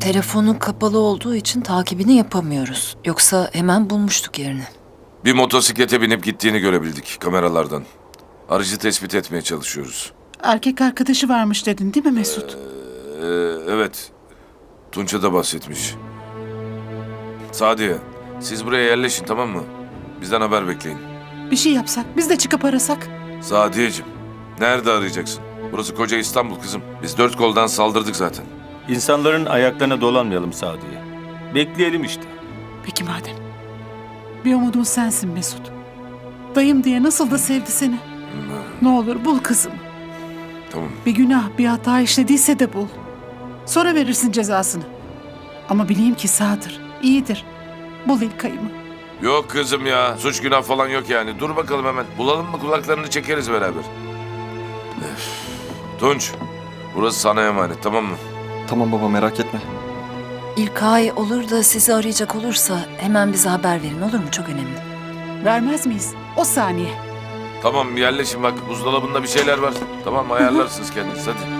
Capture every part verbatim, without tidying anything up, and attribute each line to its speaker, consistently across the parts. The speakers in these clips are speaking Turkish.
Speaker 1: telefonu kapalı olduğu için takibini yapamıyoruz. Yoksa hemen bulmuştuk yerini.
Speaker 2: Bir motosiklete binip gittiğini görebildik kameralardan. Aracı tespit etmeye çalışıyoruz.
Speaker 3: Erkek arkadaşı varmış dedin değil mi Mesut?
Speaker 2: Ee, evet. Tunç'a da bahsetmiş. Sadiye, siz buraya yerleşin, tamam mı? Bizden haber bekleyin.
Speaker 3: Bir şey yapsak, biz de çıkıp arasak.
Speaker 2: Sadiyeciğim, nerede arayacaksın? Burası koca İstanbul kızım. Biz dört koldan saldırdık zaten.
Speaker 4: İnsanların ayaklarına dolanmayalım Sadiye. Bekleyelim işte.
Speaker 3: Peki madem. Bir umudum sensin Mesut. Dayım diye nasıl da sevdi seni. Ne olur bul kızımı.
Speaker 2: Tamam.
Speaker 3: Bir günah, bir hata işlediyse de bul. Sonra verirsin cezasını. Ama bileyim ki sağdır, iyidir. Bul İlkay'ımı.
Speaker 2: Yok kızım ya, suç günah falan yok yani. Dur bakalım hemen. Bulalım mı kulaklarını çekeriz beraber. Öf. Tunç, burası sana emanet, tamam mı?
Speaker 5: Tamam baba, merak etme.
Speaker 1: İlkay olur da sizi arayacak olursa hemen bize haber verin, olur mu? Çok önemli.
Speaker 3: Vermez miyiz? O saniye.
Speaker 2: Tamam, yerleşin bak. Buzdolabında bir şeyler var. Tamam, ayarlarsınız kendiniz, hadi.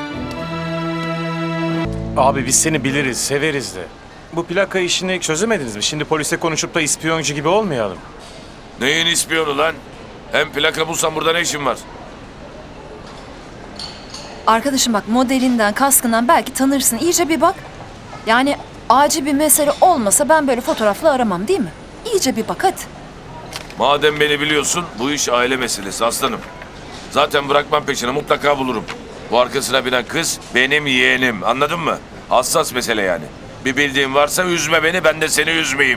Speaker 6: Abi biz seni biliriz, severiz de. Bu plaka işini çözemediniz mi? Şimdi polise konuşup da ispiyoncu gibi olmayalım.
Speaker 2: Neyin ispiyonu lan? Hem plaka bulsan burada ne işin var?
Speaker 1: Arkadaşım bak, modelinden, kaskından belki tanırsın. İyice bir bak. Yani acil bir mesele olmasa ben böyle fotoğrafla aramam, değil mi? İyice bir bak hadi.
Speaker 2: Madem beni biliyorsun, bu iş aile meselesi aslanım. Zaten bırakmam peşine, mutlaka bulurum. Bu arkasına binen kız benim yeğenim, anladın mı? Hassas mesele yani. Bir bildiğin varsa üzme beni, ben de seni üzmeyeyim.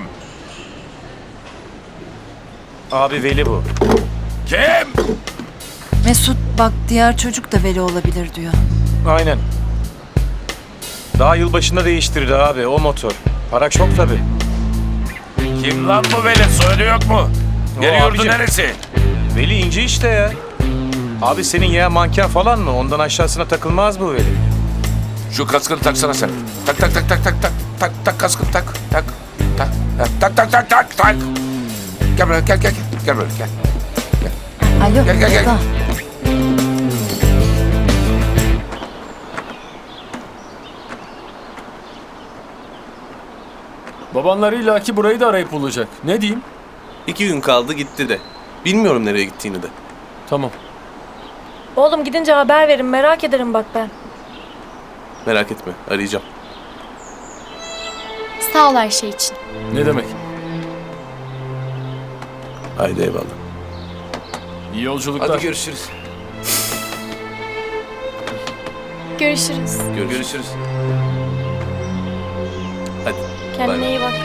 Speaker 6: Abi Veli bu.
Speaker 2: Kim?
Speaker 1: Mesut bak, diğer çocuk da Veli olabilir diyor.
Speaker 6: Aynen. Daha yılbaşında değiştirdi abi o motor. Para çok tabii.
Speaker 2: Kim lan bu Veli? Soyadı yok mu? Yeri
Speaker 6: O
Speaker 2: yurdu
Speaker 6: abicim.
Speaker 2: neresi?
Speaker 6: Veli ince işte ya. Abi senin yeğen manken falan mı? Ondan aşağısına takılmaz bu Veli.
Speaker 2: Şu kaskını taksana sen. Tak tak tak tak tak tak tak tak kaskını tak tak tak tak tak tak tak tak. Gel buraya gel gel gel gel buraya gel.
Speaker 1: Alo,
Speaker 2: Gel, gel, gel.
Speaker 1: Eda.
Speaker 7: Babanlar illaki burayı da arayıp bulacak. Ne diyeyim?
Speaker 8: İki gün kaldı gitti de. Bilmiyorum nereye gittiğini de.
Speaker 7: Tamam.
Speaker 9: Oğlum gidince haber verin, merak ederim bak ben.
Speaker 8: Merak etme, arayacağım.
Speaker 9: Sağ ol her şey için.
Speaker 7: Ne demek?
Speaker 8: Haydi eyvallah.
Speaker 7: İyi yolculuklar.
Speaker 8: Hadi görüşürüz.
Speaker 9: Görüşürüz.
Speaker 8: Görüşürüz. görüşürüz. Hadi.
Speaker 9: Kendine
Speaker 8: Bay bay.
Speaker 9: iyi bak.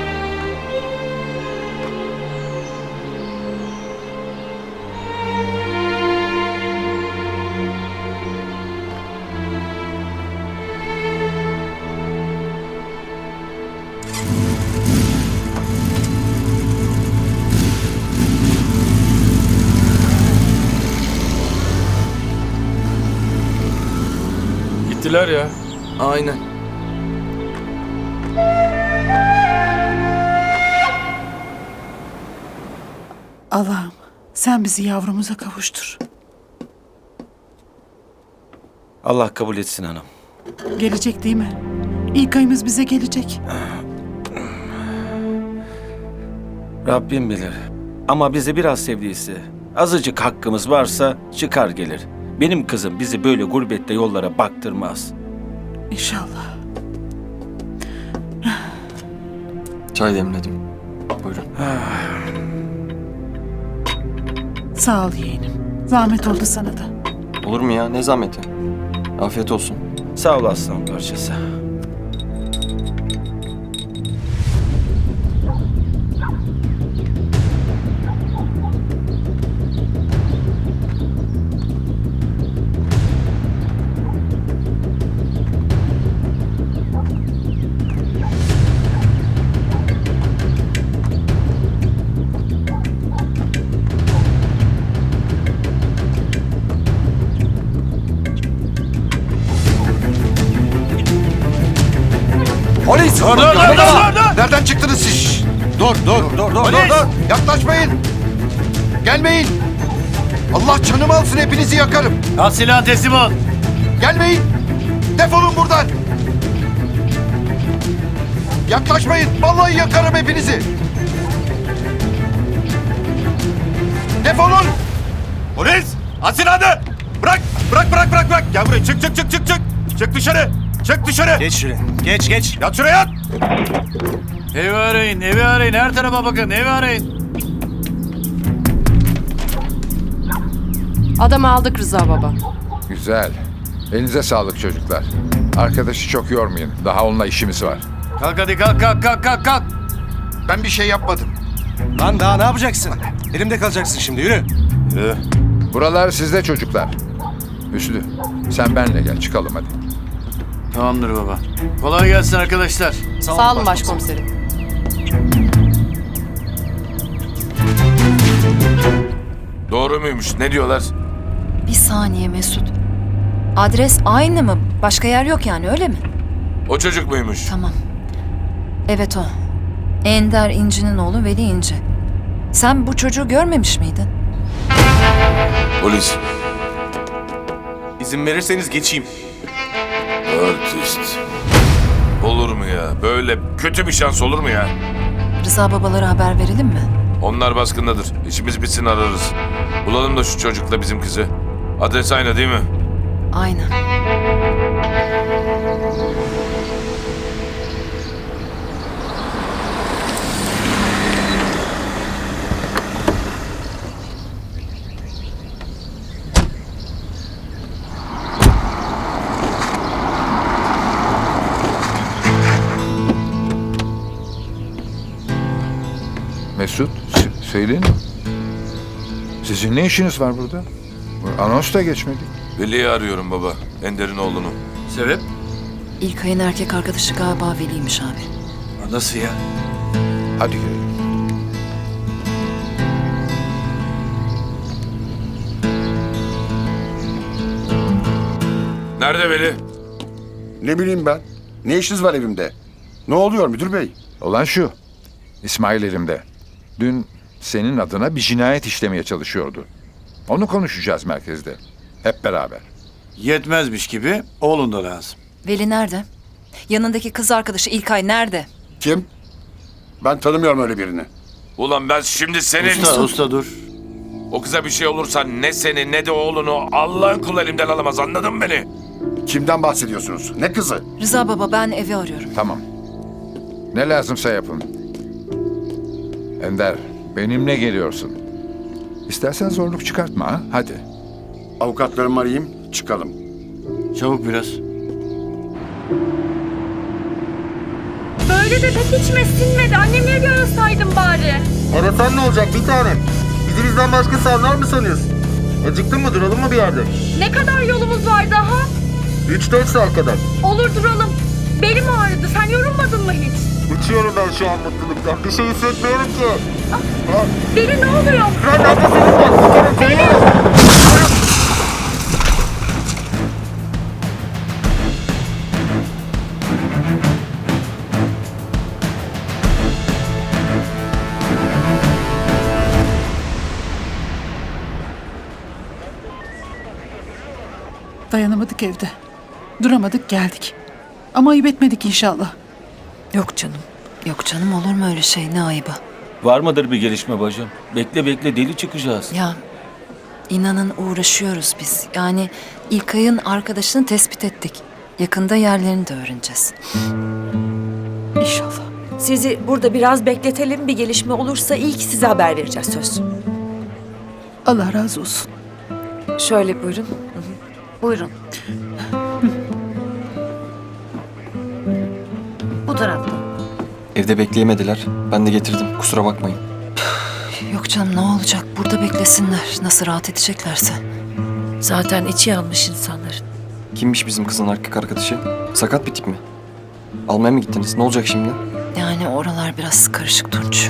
Speaker 7: Gittiler ya.
Speaker 8: Aynen.
Speaker 3: Allah'ım sen bizi yavrumuza kavuştur.
Speaker 4: Allah kabul etsin hanım.
Speaker 3: Gelecek değil mi? İlkay'ımız bize gelecek.
Speaker 4: Rabbim bilir. Ama bizi biraz sevdiyse, azıcık hakkımız varsa çıkar gelir. Benim kızım bizi böyle gurbette yollara baktırmaz.
Speaker 3: İnşallah.
Speaker 5: Çay demledim. Buyurun.
Speaker 3: Sağ ol yeğenim. Zahmet oldu sana da.
Speaker 5: Olur mu ya? Ne zahmeti? Afiyet olsun.
Speaker 4: Sağ ol aslan parçası.
Speaker 10: Polis!
Speaker 2: Dur dur dur dur dur!
Speaker 10: Nereden çıktınız siz? Dur dur dur dur dur dur! Yaklaşmayın! Gelmeyin! Allah canımı alsın, hepinizi yakarım!
Speaker 6: Al silahı teslim ol.
Speaker 10: Gelmeyin! Defolun buradan! Yaklaşmayın. Vallahi yakarım hepinizi. Defolun.
Speaker 6: Polis! At silahını! Bırak! Bırak bırak bırak bırak! Gel buraya çık çık çık çık çık! Çık dışarı! Çık dışarı!
Speaker 11: Geç şuraya. Geç geç.
Speaker 6: Yat şuraya yat!
Speaker 11: Evi arayın, evi arayın. Her tarafa bakın, evi arayın.
Speaker 9: Adamı aldık Rıza baba.
Speaker 10: Güzel. Elinize sağlık çocuklar. Arkadaşı çok yormayın. Daha onunla işimiz var.
Speaker 11: Kalk hadi kalk kalk kalk kalk kalk.
Speaker 10: Ben bir şey yapmadım.
Speaker 11: Lan daha ne yapacaksın? Elimde kalacaksın şimdi, yürü.
Speaker 10: Buralar sizde çocuklar. Hüsnü, sen benle gel. Çıkalım hadi.
Speaker 11: Tamamdır baba. Kolay gelsin arkadaşlar.
Speaker 9: Sağ olun başkomiserim.
Speaker 2: Doğru muymuş? Ne diyorlar?
Speaker 1: Bir saniye Mesut. Adres aynı mı? Başka yer yok yani öyle mi?
Speaker 2: O çocuk muymuş?
Speaker 1: Tamam. Evet o. Ender İnci'nin oğlu Veli İnci. Sen bu çocuğu görmemiş miydin?
Speaker 2: Polis.
Speaker 8: İzin verirseniz geçeyim.
Speaker 2: Artist. Olur mu ya? Böyle kötü bir şans olur mu ya?
Speaker 1: Rıza babalara haber verelim mi?
Speaker 2: Onlar baskındadır. İşimiz bitsin ararız. Bulalım da şu çocukla bizim kızı. Adres aynı değil mi?
Speaker 1: Aynen.
Speaker 10: Mesut, s- söyleyin. Sizin ne işiniz var burada? Anons da geçmedik.
Speaker 2: Veli'yi arıyorum baba. Ender'in oğlunu.
Speaker 11: Sebep?
Speaker 1: İlkay'ın erkek arkadaşı galiba Veli'ymiş abi.
Speaker 11: Nasıl ya?
Speaker 10: Hadi girelim.
Speaker 2: Nerede Veli?
Speaker 10: Ne bileyim ben. Ne işiniz var evimde? Ne oluyor müdür bey? Olan şu. İsmail elimde. Dün senin adına bir cinayet işlemeye çalışıyordu. Onu konuşacağız merkezde. Hep beraber.
Speaker 11: Yetmezmiş gibi oğlun da lazım.
Speaker 1: Veli nerede? Yanındaki kız arkadaşı İlkay nerede?
Speaker 10: Kim? Ben tanımıyorum öyle birini.
Speaker 2: Ulan ben şimdi senin...
Speaker 11: Usta, usta dur.
Speaker 2: O kıza bir şey olursa ne seni ne de oğlunu Allah'ın kulu elimden alamaz, anladın mı beni?
Speaker 10: Kimden bahsediyorsunuz? Ne kızı?
Speaker 1: Rıza baba ben evi arıyorum.
Speaker 10: Tamam. Ne lazımsa yapın. Ender, benimle geliyorsun. İstersen zorluk çıkartma ha. Hadi.
Speaker 12: Avukatlarımı arayayım, çıkalım.
Speaker 11: Çabuk biraz.
Speaker 9: Böyle de pek içime sinmedi. Annemleri bir arasaydım bari.
Speaker 12: Arasan ne olacak bir tanem? Bizi bizden başka sanlar mı sanıyorsun? Acıktın mı, duralım mı bir yerde?
Speaker 9: Ne kadar yolumuz var daha?
Speaker 12: Üç dört saat kadar.
Speaker 9: Olur duralım. Belim ağrıdı. Sen yorulmadın mı hiç?
Speaker 12: Uçuyorum ben şu an mutluluktan. Bir şey hissetmiyorum ki.
Speaker 9: Beli ne oluyor?
Speaker 12: Fren nefesiniz var. Tutarım seni.
Speaker 3: Dayanamadık evde. Duramadık geldik. Ama ayıp etmedik inşallah.
Speaker 1: Yok canım. Yok canım olur mu öyle şey, ne ayıbı.
Speaker 4: Var mıdır bir gelişme bacım? Bekle bekle deli çıkacağız.
Speaker 1: Ya inanın uğraşıyoruz biz. Yani İlkay'ın arkadaşını tespit ettik. Yakında yerlerini de öğreneceğiz.
Speaker 3: İnşallah.
Speaker 13: Sizi burada biraz bekletelim. Bir gelişme olursa ilk size haber vereceğiz söz.
Speaker 3: Allah razı olsun.
Speaker 13: Şöyle buyurun. Buyurun. Bu tarafta.
Speaker 5: Evde bekleyemediler. Ben de getirdim. Kusura bakmayın.
Speaker 1: Yok canım ne olacak, burada beklesinler. Nasıl rahat edeceklerse.
Speaker 13: Zaten içi yanmış insanların.
Speaker 5: Kimmiş bizim kızın erkek arkadaşı? Sakat bir tip mi? Almaya mı gittiniz? Ne olacak şimdi?
Speaker 1: Yani oralar biraz karışık Tunç.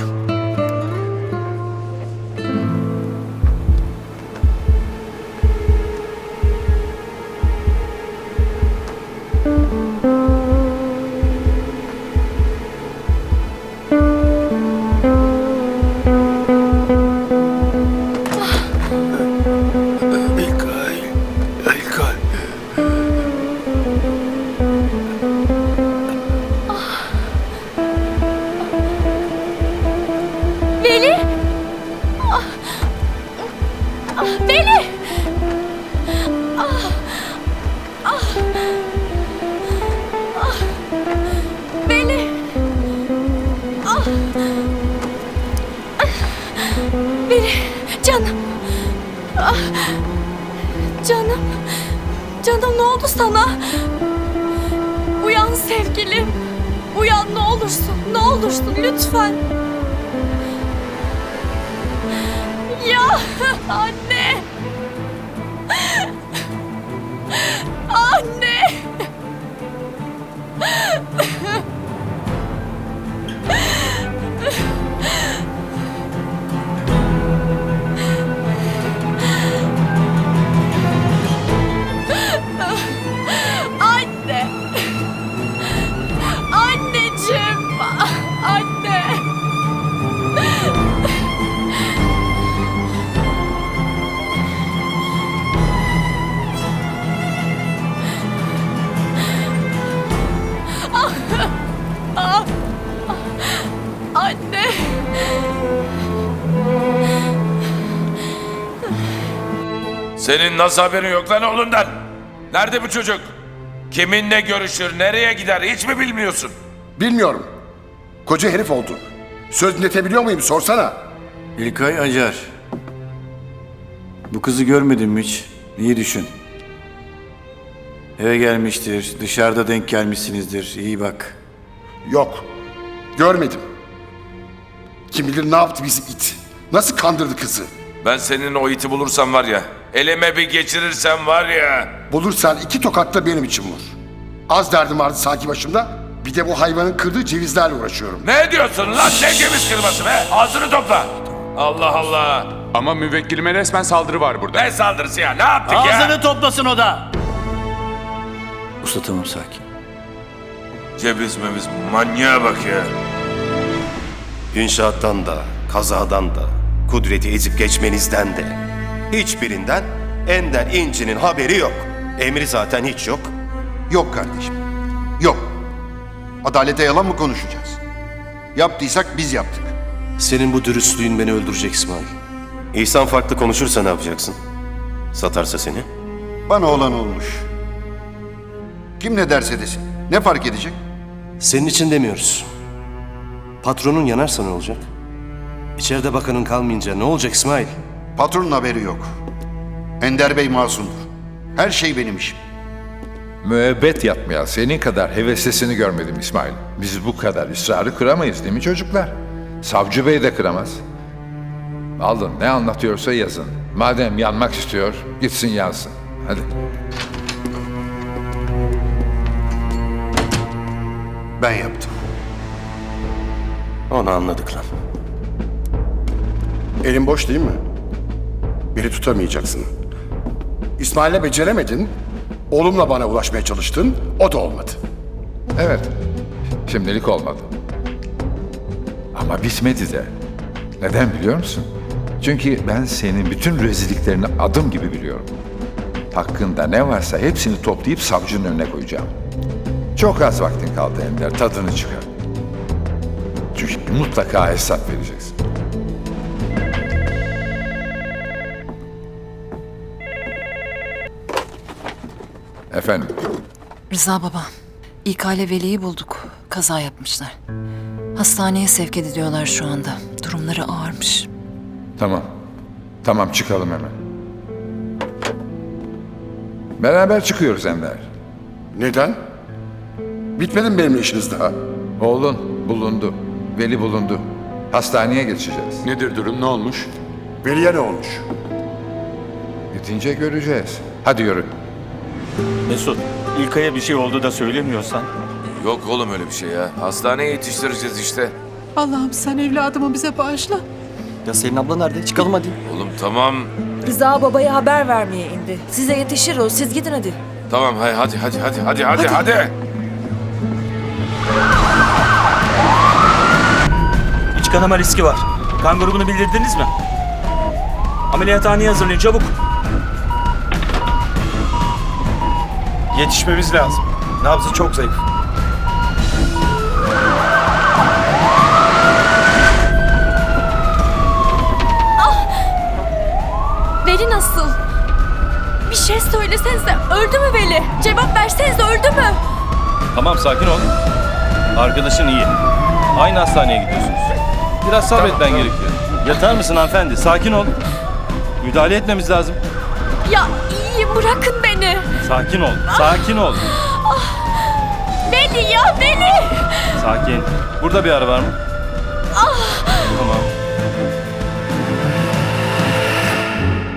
Speaker 9: ne oldu sana? Uyan sevgilim. Uyan ne olursun, ne olursun lütfen. Ya anne. Anne. Anne. Anneciğim. Anne. Ah, anne.
Speaker 2: Senin nasıl haberin yok lan oğlundan? Nerede bu çocuk? Kiminle görüşür, nereye gider hiç mi bilmiyorsun?
Speaker 10: Bilmiyorum. Koca herif oldu. Söz dinletebiliyor muyum sorsana.
Speaker 11: İlkay Acar. Bu kızı görmedin mi hiç? İyi düşün. Eve gelmiştir, dışarıda denk gelmişsinizdir. İyi bak.
Speaker 10: Yok. Görmedim. Kim bilir ne yaptı bizi it. Nasıl kandırdı kızı.
Speaker 2: Ben senin o iti bulursam var ya, elime bir geçirirsem var ya.
Speaker 10: Bulursan iki tokatla benim için vur. Az derdim vardı sanki başımda. Bir de bu hayvanın kırdığı cevizlerle uğraşıyorum.
Speaker 2: Ne diyorsun lan, ne ceviz kırması be? Ağzını topla. Allah Allah.
Speaker 14: Ama müvekkilime resmen saldırı var burada.
Speaker 2: Ne saldırısı ya, ne yaptık ya?
Speaker 11: Ağzını toplasın o da. Usta tamam sakin.
Speaker 2: Ceviz meviz, manyağa bak ya.
Speaker 15: İnşaattan da, kazadan da, Kudret'i ezip geçmenizden de. Hiçbirinden Ender İnci'nin haberi yok. Emri zaten hiç yok.
Speaker 16: Yok kardeşim. Yok. Adalete yalan mı konuşacağız? Yaptıysak biz yaptık.
Speaker 15: Senin bu dürüstlüğün beni öldürecek İsmail. İhsan farklı konuşursa ne yapacaksın? Satarsa seni?
Speaker 16: Bana olan olmuş. Kim ne derse desin. Ne fark edecek?
Speaker 15: Senin için demiyoruz. Patronun yanarsa ne olacak? İçeride bakanın kalmayınca ne olacak İsmail?
Speaker 16: Patronun haberi yok. Ender Bey masumdur. Her şey benim işim.
Speaker 10: Müebbet yatmaya senin kadar heveslesini görmedim İsmail. Biz bu kadar ısrarı kıramayız değil mi çocuklar? Savcı Bey de kıramaz. Alın ne anlatıyorsa yazın. Madem yanmak istiyor gitsin yansın. Hadi.
Speaker 16: Ben yaptım.
Speaker 15: Onu anladık lan.
Speaker 10: Elin boş değil mi? Beni tutamayacaksın. İsmail'le beceremedin. Oğlumla bana ulaşmaya çalıştın. O da olmadı. Evet. Şimdilik olmadı. Ama bitmedi de. Neden biliyor musun? Çünkü ben senin bütün rezilliklerini adım gibi biliyorum. Hakkında ne varsa hepsini toplayıp savcının önüne koyacağım. Çok az vaktin kaldı Ender. Tadını çıkar. Çünkü mutlaka hesap vereceksin. Efendim?
Speaker 1: Rıza baba, İK ile Veli'yi bulduk. Kaza yapmışlar. Hastaneye sevk ediliyorlar şu anda. Durumları ağırmış.
Speaker 10: Tamam. Tamam çıkalım hemen. Beraber çıkıyoruz Ender. Neden? Bitmedi mi benimle işiniz daha? Oğlun bulundu. Veli bulundu. Hastaneye geçeceğiz.
Speaker 14: Nedir durum, ne olmuş?
Speaker 10: Veli'ye ne olmuş? Bitince göreceğiz. Hadi yürü.
Speaker 4: Mesut, İlkay'a bir şey oldu da söylemiyorsan.
Speaker 2: Yok oğlum öyle bir şey ya. Hastaneye yetiştireceğiz işte.
Speaker 3: Allah'ım sen evladımı bize bağışla.
Speaker 5: Ya Selin abla nerede? Çıkalım hadi.
Speaker 2: Oğlum tamam.
Speaker 13: Rıza babaya haber vermeye indi. Size yetişir o. Siz gidin hadi.
Speaker 2: Tamam hay hadi hadi hadi hadi hadi hadi.
Speaker 4: İç kanama riski var. Kan grubunu bildirdiniz mi? Ameliyathaneye hazırlayın çabuk.
Speaker 6: Yetişmemiz lazım. Nabzı çok zayıf.
Speaker 9: Veli nasıl? Bir şey söylesenize, öldü mü Veli? Cevap versenize, öldü mü?
Speaker 7: Tamam sakin ol. Arkadaşın iyi. Aynı hastaneye gidiyorsunuz. Biraz sabretmen gerekiyor. Yatar mısın hanımefendi? Sakin ol. Müdahale etmemiz lazım.
Speaker 9: Ya iyiyim, bırakın beni.
Speaker 7: Sakin ol, sakin ol.
Speaker 9: Beni ya beni!
Speaker 7: Sakin. Burada bir ara var mı?
Speaker 9: Ah!
Speaker 7: Tamam.